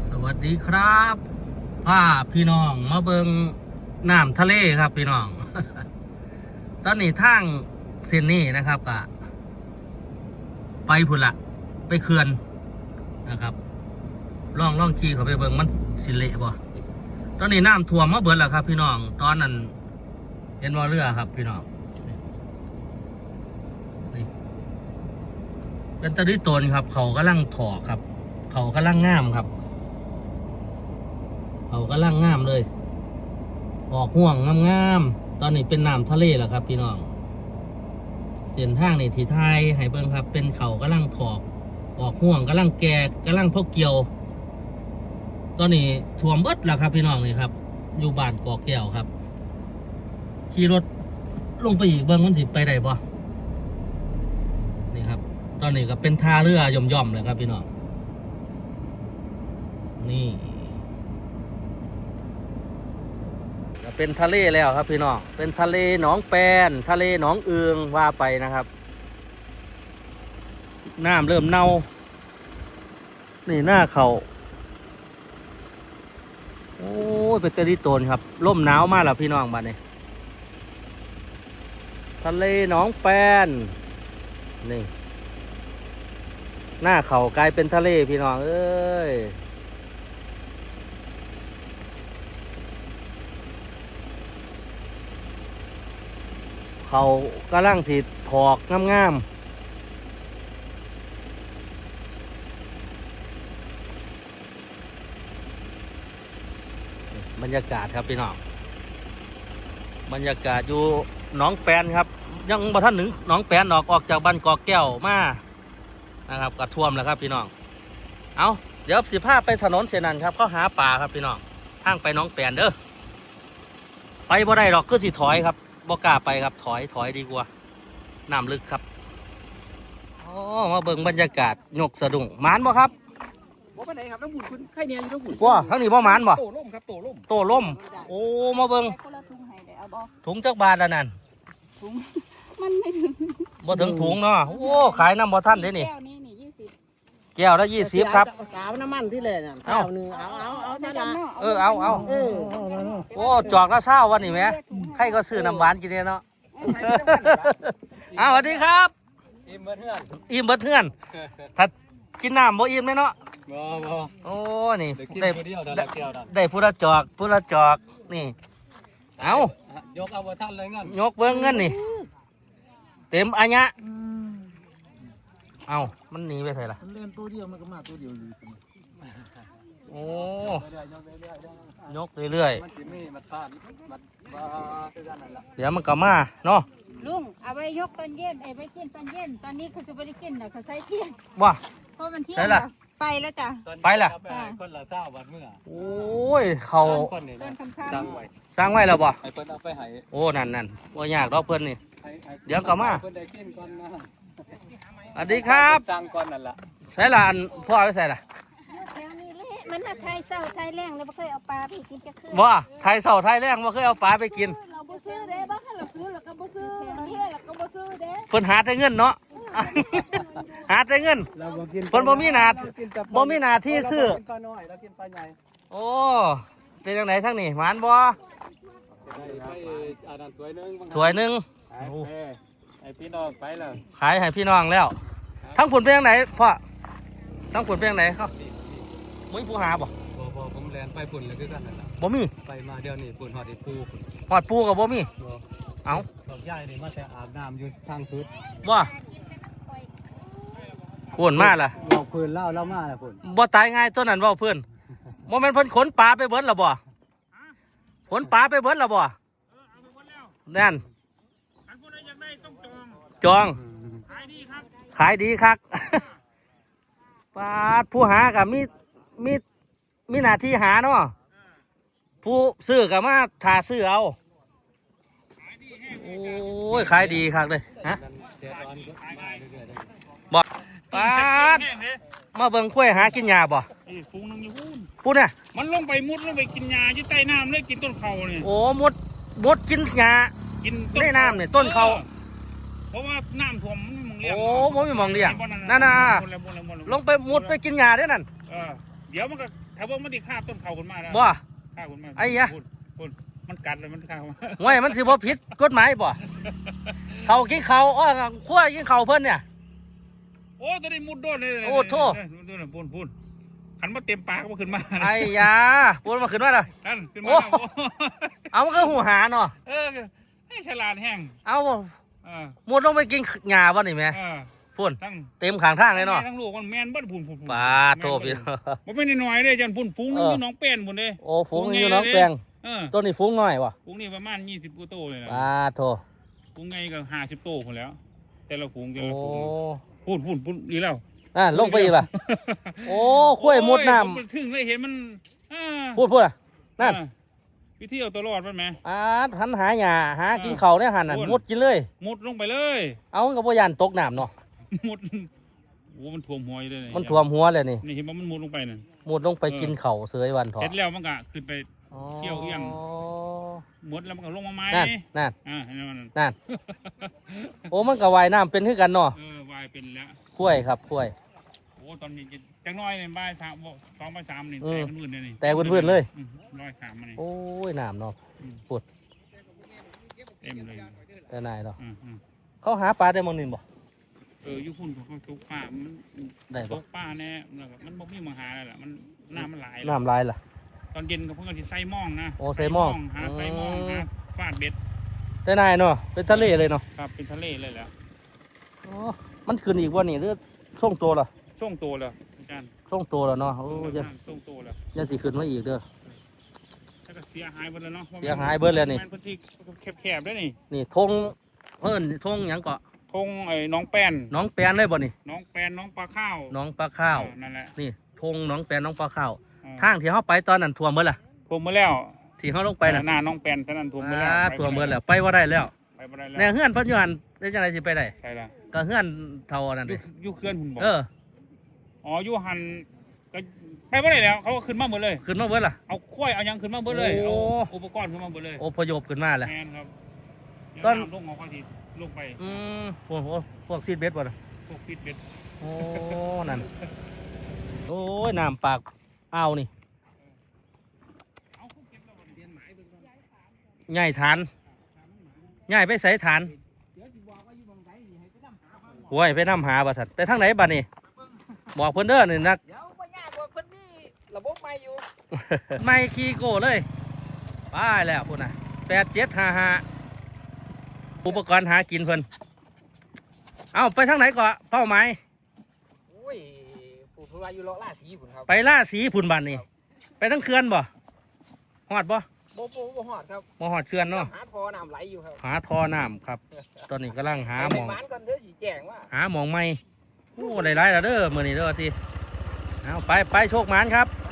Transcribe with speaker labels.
Speaker 1: สวัสดีครับพาพี่น้องมาเบิงน้ำทะเลครับพี่น้อง ตอนนี้ทางเส้นนี้นะครับกะไปพุ่นละไปเขื่อนนะครับล่องขี่เขาไปเบิงมันสิเละบ่ตอนนี้น้ำท่วมมาเบิดแล้วครับพี่น้องตอนนั้นเห็นว่าเรือครับพี่น้องนี่เป็นตะดิตนครับเขากำลังถอครับ เขากำลังงามครับเขากำลังงามเลยออกห่วงงามๆตอนนี้เป็นน้ำทะเลแล้วครับพี่น้องเส้นทางนี่ที่ไทยให้เบิ่งครับเป็นเขากำลังถอกออกห่วงกำลังแก่กำลังพกเกี่ยวตอนนี้ท่วมเบิดแล้วครับพี่น้องนี่ครับอยู่บ้านกอกแก้วครับขี่รถลงไปอีกเบิ่งมันสิไปได้บ่นี่ครับตอนนี้ก็เป็นท่าเรือย่อมๆเลยครับพี่น้องนี่เป็นทะเลแล้วครับพี่น้องเป็นทะเลหนองแปนทะเลหนองเอืองว่าไปนะครับน้ำเริ่มเน่านี่หน้าเขาโอ้ยเป็นตะลิโตนครับร่มหนาวมากแล้วพี่น้องบ้านนี้ทะเลหนองแปนนี่หน้าเขากลายเป็นทะเลพี่น้องเอ้ยเขากำลังสีถอกงามๆบรรยากาศครับพี่น้องบรรยากาศอยู่หนองแปนครับยังบ่ทันถึงหนองแปนออกจากบ้านกอกแก้วมานะครับกระท่วมแล้วครับพี่น้องเอาเดี๋ยวสิพาไปถนนเส้นนั้นครับเขาหาปลาครับพี่น้องทางไปหนองแปนเด้อไปบ่ได้หรอกก็สิถอยครับบ่กล้าไปครับถอยดีกว่าน้ำลึกครับอ๋อมาเบิ่งบรรยากาศยกสะดุ้งหมานบ่ครับ
Speaker 2: บ่ปานใดครับน้ำบุญคุณไข่เนียอยู่น้ำบุญ
Speaker 1: ว้าทั้งนี้บ่หมานบ่
Speaker 2: โตล่มครับโตล่ม
Speaker 1: โตล่มโอ้มาเบิ่งถุงจักบาทแล้วนั่น
Speaker 3: ถุงมันไม่ถึง
Speaker 1: บ่ถึงถุงเนาะโอ้ขายน้ำบ่ทันเด้นี่
Speaker 3: แก้วนี้นี่20
Speaker 1: แก้วละ20ครับ
Speaker 4: สาวน้ำมันที่เลยน่ะสาวหนึ่งเอาใช่ละ
Speaker 1: เอาโอ้จอกละ20วันนี่แหมใครก็ซื้อน้ำหวานกินเนี่ยเนาะสวัสดีครับ
Speaker 2: อิ่มเบิดเฮือน
Speaker 1: อิ่มเบิดเฮือนถ้ากินน้ำบ่อิ่มเลยเนาะ
Speaker 2: บ่
Speaker 1: โอ้นี่
Speaker 2: ได้
Speaker 1: ผู้ละจอกนี่เอา
Speaker 2: ยกเอาบ่ทันเลยเงิน
Speaker 1: ยกเบิ่งเงินนี่เต็มอันยะเอามันหนีไปใส่ละ
Speaker 4: มันเล่นตัวเดียวมันก็มาตัวเดียวอยู่
Speaker 1: โอ้ยกเรื่อย
Speaker 2: ๆ
Speaker 1: เดี๋ยวมันก็มาเนาะ
Speaker 3: ลุงเอาไว้ยกตอนเย็นไว้กินตอนเย็นตอนนี้เขาจะไม่ได้กินนะเขาใช้เที่ยง
Speaker 1: ว่า
Speaker 3: เพราะมันเที่ยงไปแล้วจ้ะ
Speaker 1: ไปละ
Speaker 2: คนละ20วันเมื่อ
Speaker 1: โอ้ยเขาสร้างไว้แล้วบ่
Speaker 2: ให้เพิ่นเอาไปให้
Speaker 1: โอ้นั่นบ่ยากดอกเพิ่นนี่เดี๋ยวก็มา
Speaker 2: เพิ่นได้กินก่อนนะ
Speaker 1: สวัสดีครับ
Speaker 2: สร้างก่อนนั่นล่ะ
Speaker 1: ใส่ละอันพ่อไปใส่ละ
Speaker 3: มันไทยเศร้าไทยแรงแล้วไม่เคยเอาปลาไปกินจะขึ้น
Speaker 1: ว่าไทยเศร้าไทยแรงบ่เคยเอาปลาไปกิน
Speaker 3: เราบ่ซื้อเด้บ้านเราซื้อเราก็บ่ซื้อเราเฮ็ดเราก็บ่ซื้อเด้
Speaker 1: เพิ่นหาแต่เงินเนาะหาแต่เงินเพิ่นบ่มีหน้าที่ซื้อโอ้เป็นจังไดทั้งนี้หวานบ่สวยนึง
Speaker 2: ให้พี่น้องไปแล้ว
Speaker 1: ขายให้พี่น้องแล้วทั้งผลเป็นจังไดพ่อทั้งผลเป็นจังไดครับมึงผู้หาบ่
Speaker 2: ผมแลนไปฝุ่นเลยคือกันนั่นแหละ
Speaker 1: บ่มี
Speaker 2: ไปมาเดี๋ยวนี้ฝุ่นหอดปู
Speaker 1: หอดปูกับบ่มีเอา
Speaker 2: ดอกใหญ่นี่มาแต่อาบน้ำอยู่ทางสุด
Speaker 1: ว่าฝุ่นมาล่ะ
Speaker 2: เราพื้นเล่ามาล่ะฝุ่น
Speaker 1: บ่ตายง่ายตัวนั้นว่าเพื่อนโมเมนต์เพิ่นขนปลาไปเบิดละบ่ขนปลาไปเบิดละบ่นั่นจองขายดีครับปลาผู้หากับมีหน้าที่หาเนาะผู้ซื้อกับมาถ่าซื้อเอาโอ้ยขายดีครับเลยฮะบ่ปลามาเบิ่งกล้วยหากินหญ้าบ่
Speaker 5: ฟูงนึงอยู่
Speaker 1: พูดเนี่ย
Speaker 5: มันลงไปมุดลงไปกินหญ้าอยู่ใต้น้ำเลยกินต้นเขาเนี่ย
Speaker 1: โอ้มุดกินหญ้า
Speaker 5: กิน
Speaker 1: ในน้ำเนี่ยต้นเขา
Speaker 5: เพราะว่าน้ำท่วมมันมองเลี้ยง
Speaker 1: โอ้ผมไม่มองเลี้ยงนั่นน่ะลงไปมุดไปกินหญ้าได้นั่น
Speaker 5: เดี๋ยวมันก็ถ้าว่ามันติคาบต้นเขาขึ้นมาแล้ว
Speaker 1: บ่
Speaker 5: คาบขึ้นมา
Speaker 1: ไอ้ยะ
Speaker 5: พูดมันกัดเลยมันคาบ
Speaker 1: ห่วยมันสิบ่ผิดกฎหมายบ่เขากินเขาอ้อขั้วกินเขาเพิ่นเนี่ย
Speaker 5: โอ้ตอนนี้มุดโดนเลย
Speaker 1: โอ้โธ่
Speaker 5: โดนพูนหันมาเต็มปากก็ขึ้นมา
Speaker 1: ไอ้ยาพูดมาขึ้นว่าล่ะ
Speaker 5: นั่นขึ้นมา
Speaker 1: โอ้ เอามันก็หูหาเนาะ
Speaker 5: ให้ฉลาดแห้ง
Speaker 1: เอา
Speaker 5: เ
Speaker 1: มุดลงไปกินหญ้าบ่นี่แม่
Speaker 5: ออ
Speaker 1: พุ่น
Speaker 5: ทั้ง
Speaker 1: เต็มข้างทางเลยเนาะ
Speaker 5: ทั้งลูกมันแมนเบิ้ลพูน
Speaker 1: ปาโทพี่
Speaker 5: ผมไม่ได้น้อยเลยจันพูนฟุ้งนึงอยู่น้องแป้นพูนเลย
Speaker 1: โอ้ฝูงอยู่น้องแปง ตัวนี้ฝูงน้อยวะ
Speaker 5: ฝูงนี่ประมาณ20กว่าโตเลยนะ
Speaker 1: ปาโท
Speaker 5: ฝูงไงก็50โตคนแล้ว แต่ละฝูงแต่
Speaker 1: โอ้
Speaker 5: ละฝูงพูนดีแล้ว
Speaker 1: ลงไปอีกล่ะ โอ้ข้วยมุดน้
Speaker 5: ผมถึงเลยเห็นมัน
Speaker 1: ำพูดอ่ะนั่น
Speaker 5: วิธีเอาตัวรอดมันไหม
Speaker 1: หันหาหญ้าหากินเขาเนี่ยหันน่ะ
Speaker 5: พูด
Speaker 1: มุดกินเลย
Speaker 5: มุดลงไปเลย
Speaker 1: เอามันกับพยานตกน้ำเนาะ
Speaker 5: มุดโอ้มันท่วมหัวอยู่เลย
Speaker 1: มันท่วมหัวเลยนี่
Speaker 5: นี่เห็นว่ามันมุดลงไปนั่น
Speaker 1: มุดลงไปกินเขาเสยวันถอ
Speaker 5: เสร็จแล้วมันก็ขึ้นไป
Speaker 1: อ๋อ
Speaker 5: เขี้ยวเอี้ยง มุดแล้วมันก็ลงมาไม้
Speaker 1: นั่น
Speaker 5: เห็นไหมมัน
Speaker 1: นั่น โอ้มันกับว่ายน้ำเป็นคือกันเนาะ
Speaker 5: วายเป็นแล้ว
Speaker 1: ข้วยครับข้วย
Speaker 5: โอ้ตอนนี้จังน้อยเนี่ยบ่ายสามบอก2 บ่าย 3นี่
Speaker 1: อื
Speaker 5: แต
Speaker 1: ม
Speaker 5: กพื้นเลยนี่
Speaker 1: แตกพื้นๆเลย
Speaker 5: ร้อยขามมานี่
Speaker 1: โอ้ยน้ำเนาะ ปวด
Speaker 5: เต็มเลย
Speaker 1: แต่นายเนาะ
Speaker 5: อืม
Speaker 1: เขาหาปลาได้มองนินบ่
Speaker 5: อยู่พุ่นเขาตกป่ามัน
Speaker 1: ได้
Speaker 5: ต
Speaker 1: บ่
Speaker 5: กป่าแน่แล้วก็มันบ่มีมาหาแล้วล่ะมันน้ำมันหลาย
Speaker 1: น้ำลายล่ะ
Speaker 5: ตอนเย็นก็เพิ่งสิใส่หม่องนะ
Speaker 1: โอ้ใส่หม้อง
Speaker 5: หาใส่หม่อง
Speaker 1: อืม
Speaker 5: หาฟาดเบ็ด
Speaker 1: แต่นายเนาะเป็นทะเลเลยเนาะ
Speaker 5: ครับเป็นทะเลเลยแหล้ว
Speaker 1: อ๋อมันขึ้นอีกว่านี่หรือช่วงตัวเหรอ
Speaker 5: ส่งตัวเลยอาจารย์
Speaker 1: ช่วงตัวแล้วเนาะโอ้ย
Speaker 5: ส่งตัวเลย
Speaker 1: ยังสิขึ้นมาอีกเด้อ
Speaker 5: แล้วก็เสียหายหมดแล้วเนาะ
Speaker 1: เสียหายเบิดแล้วนี่
Speaker 5: มันพื้นที่แคบๆด้วยนี่
Speaker 1: นี่ธงเพิ่นธงหยังเกาะ
Speaker 5: ทงไอ้น้องแป้น
Speaker 1: น้องแปนเลยบ่นี่
Speaker 5: น้องแปนน้องปลาข้าว
Speaker 1: น้องปลาข้าว
Speaker 5: นั่นแหละ
Speaker 1: นี่ธงน้องแปนน้องปลาข้าว
Speaker 5: เออ
Speaker 1: ทางที่เฮาไปตอนนั้นท่วมเบิดล่ะ
Speaker 5: ท่วมมาแล้ว
Speaker 1: ที่เฮาลงไปน่ะ
Speaker 5: หน้าน้องแปนตอนนั้นท่วมมาแล้ว
Speaker 1: ท่วมเบิดแล้วไปบ่ได้แล้ว
Speaker 5: ไปบ่ได้
Speaker 1: แน่
Speaker 5: แล้ว
Speaker 1: เฮือนเพิ่นอยู่หั่นได้จังไดสิไปได้
Speaker 5: ใช่ละ
Speaker 1: ก็เฮือนเท่านั้น
Speaker 5: อ
Speaker 1: เด้
Speaker 5: ยู่เคลื่อนหุ่นบอก
Speaker 1: เออ
Speaker 5: อ๋ออยู่หันก็ไปบ่ได้แล้วเขาก็ขึ้นมาหมดเลย
Speaker 1: ขึ้นมาเบิดล่ะ
Speaker 5: เอาควายเอาหยังขึ้นมาหมดเลย
Speaker 1: โอ้
Speaker 5: เอาอุปกรณ์ขึ้นมาหมดเลย
Speaker 1: อพยพขึ้นมาแล้ว
Speaker 5: แมนครับเดี๋ยว
Speaker 1: ตอน
Speaker 5: น้ำลงออกไปทีลงไป
Speaker 1: โอ้โหพวกซีดเบ็ดบ่ล่ะ
Speaker 5: พวกฟิตเบ็ด
Speaker 1: โอ้ นั่น โอ้ย น้ำปากอ้าวนี่
Speaker 5: เอาเขาเก็บแล้วเรียนหมายเบิ่งก่อน
Speaker 1: ใหญ่ฐานใหญ่ไปใส่ฐานโอ้ยไปนำหาบัสัตไปทางไหนบัดนี่บอกเพิ่นเด้อนี่นัก
Speaker 4: เดี๋ยวบ่ยากกว่าเพิ่นนี่ระบบใหม่อยู่
Speaker 1: ไม่ขี่โก้เลยไปแล้วพุ่นน่ะ8755อุปกรณ์หากินเพิ่นเอาไปทางไหนก่อนเป้าหมาย
Speaker 4: โอ้ยผู้เพิ่นว่าอยู่เลาะล่าสีพุ่นครับ
Speaker 1: ไปล่าสีพุ่นบัดนี่ไปทั้งเขื่อนบ่ฮอดบ่
Speaker 4: บ่ฮอดครับ
Speaker 1: บ่ฮอดเขื่อนเนาะ
Speaker 4: หาท่อน้ำไหลอยู่ครับ
Speaker 1: หาท่อน้ำครับ ตอนนี้กำลังหาหมอง
Speaker 4: ไปบ้านก่อนเด้อสิแจ้งว่า
Speaker 1: หาหมองไม่โอ้ได้หลายแล้วเด้อมื้อนี้เด้อทีเอาไปโชคหมานครับ
Speaker 4: ค